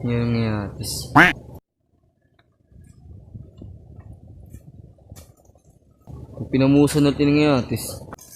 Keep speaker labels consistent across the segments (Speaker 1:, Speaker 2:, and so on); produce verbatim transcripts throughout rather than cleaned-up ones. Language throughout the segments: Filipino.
Speaker 1: Yan nga. Kung pinamusa natin nga atis.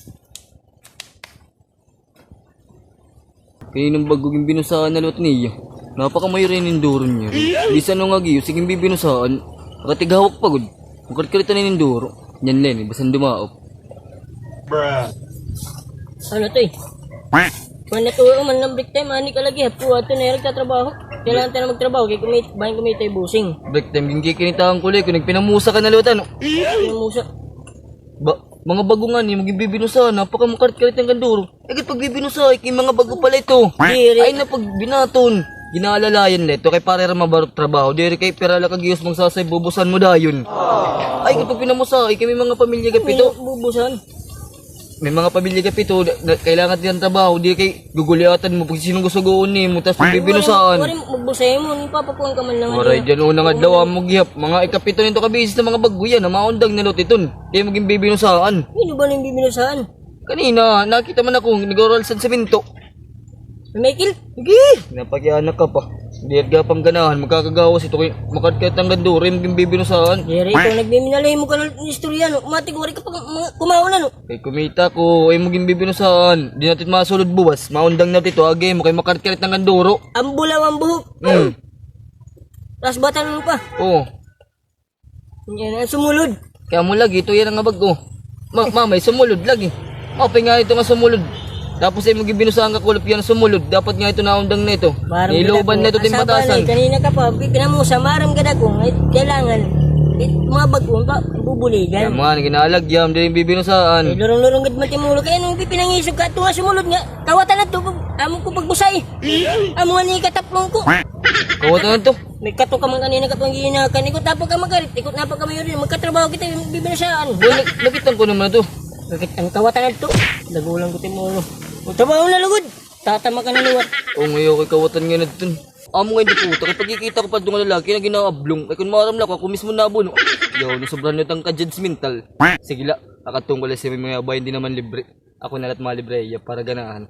Speaker 1: Kaninang bagog yung binusaan na lot niya. Napakamayo rin yung duro niya. Di sa nung agiyo, sige binusaan. Nakatigawak pagod. Magkarkarita na yung duro. Yan len, basan dumaop.
Speaker 2: Bruh.
Speaker 3: Ano to eh? Kung naturo man ng break time, ani ka lagi. Hapo ato na yung nagtatrabaho. Kailangan tayo na magtrabaho. Kaya kumit, bayan kumita yung busing.
Speaker 1: Break time, hindi kinitaan ko kung nagpinamusa ka na lot ano.
Speaker 3: Yung musa.
Speaker 1: Ba, mga bago nga niya, maging bibinusa, napaka makarkarit ng ganduro. Eh, pag bibinusa, ay mga bago pala ito.
Speaker 3: Diri.
Speaker 1: Ay na pag binaton, ginaalalayan leto kay para mabarot trabaho. Diri kay perala kagiyos magsasay, bubusan mo dayon. Ay, kapag pinamusa, ay kami mga pamilya kapito.
Speaker 3: Bubusan.
Speaker 1: May mga pamilya kapito, na, kailangan din ng trabaho. Di kay guguliatan mo, pag sinong gusto goon mo, tapos bibinusaan.
Speaker 3: Wari magbusay mo, ipapakuhan ka man lang.
Speaker 1: Waray dyan, unang adlaw mo gihap. Mga ikapito nito kabisis na mga bago yan, na maundang na lotiton. Kaya maging bibinusaan.
Speaker 3: Ano ba nang bibinusahan?
Speaker 1: Kanina, nakita man ako, nag-oral sa semento.
Speaker 3: Michael?
Speaker 1: Sige! Napagyanak ka pa. Hindi at gapang ganahan, magkakagawas ito kay makatkat ng ganduro, yung bibinusahan.
Speaker 3: Jerry, ikaw nagbiminalay mo ka ng istorya, no? Umating wari ka pa kumaon na, no?
Speaker 1: Kay kumita ko, ay maging bibinusahan. Di natin masulod buwas, maundang natin ito, agay mo kay makatkat ng ganduro.
Speaker 3: Ang bulaw ang buhok.
Speaker 1: Hmm.
Speaker 3: Tapos bata mo pa.
Speaker 1: Oo.
Speaker 3: Yan ang sumulod.
Speaker 1: Kaya mo lagi, ito yan ang abag ko. Ma mamay, sumulod lagi. O, nga ito nga sumulod. Tapos ay maging binusahan ka kulap yan sumulod. Dapat nga ito naundang na ito. Niloban na ito timbatasan.
Speaker 3: Kanina ka pa, pinamusa, maram ka na kung kailangan. It, mga bagong pa, bubuligan.
Speaker 1: Kaya mga, ginalagyam, din yung bibinusahan.
Speaker 3: Eh, lorong-lorong gad matimulo. Kaya nung pinangisog ka, ito nga sumulod nga. Kawatan na ito, among ko pagbusay. Amo nga ni kataplong ko.
Speaker 1: Kawatan na ito.
Speaker 3: May kato ka man kanina ka pang ginakan. Ikot na pa ka magarit, ikot na pa ka mayo rin. Magkatrabaho kita yung bibinasaan.
Speaker 1: Nakitan ko naman ito.
Speaker 3: Bakit ang kawatan na ito? Lagulang ko timulo. O trabaho na lugod. Tatama ka na luwat.
Speaker 1: O ngayon kay kawatan nga na ito. Amo nga hindi puta. Kaya pagkikita ko pa doon nga lalaki na ginaablong. Ay kung maramla ko, ako mismo nabuno. Yaw, nasobran nyo tang ka-judgmental. Sige la, akatong ko lang siya may mga bayan di naman libre. Ako nalat mga libre, para ganahan.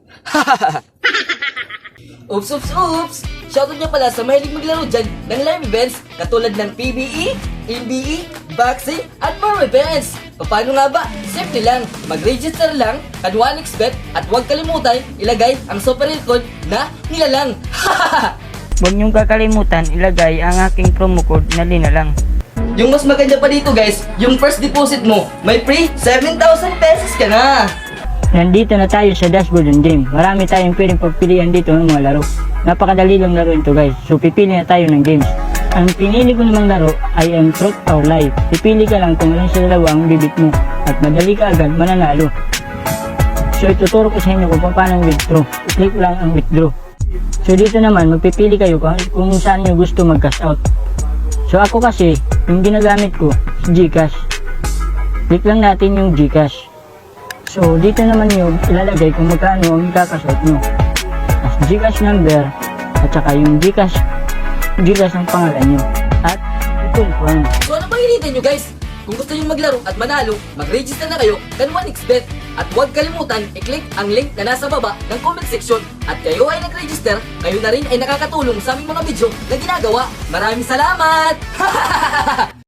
Speaker 1: Oops, oops, oops! Shoutout niya pala sa mahilig maglaro dyan ng live events katulad ng P B E, N B E, boxing, at more events. Paano nga ba? Simple lang, mag-register lang, kad one x bet, at huwag kalimutan ilagay ang super code na nilalang.
Speaker 3: Huwag niyong kakalimutan ilagay ang aking promo code na linalang.
Speaker 1: Yung mas maganda pa dito guys, yung first deposit mo, may free seven thousand pesos ka na.
Speaker 3: Nandito na tayo sa dashboard ng game. Marami tayong pwedeng pagpilian dito ng mga laro. Napakadali lang laro ito guys. So pipili na tayo ng games. Ang pinili ko namang laro ay ang Truth or Lie. Pipili ka lang kung alin sa dalawa ang bibit mo. At madali ka agad mananalo. So ituturo ko sa inyo kung paano withdraw. I-click lang ang withdraw. So dito naman magpipili kayo kung, kung saan nyo gusto mag-cash out. So ako kasi, yung ginagamit ko, Gcash. Click lang natin yung Gcash. So, dito naman yung ilalagay kung magkano ang ikakasot nyo. As Gcash number, at saka yung Gcash, Gcash ang pangalan nyo. At, i-confirm.
Speaker 1: So ano bang hinihintay nyo guys? Kung gusto nyo maglaro at manalo, mag-register na kayo kan one x bet. At huwag kalimutan, i-click ang link na nasa baba ng comment section. At kayo ay nag-register, kayo na rin ay nakakatulong sa aming mga video na ginagawa. Maraming salamat!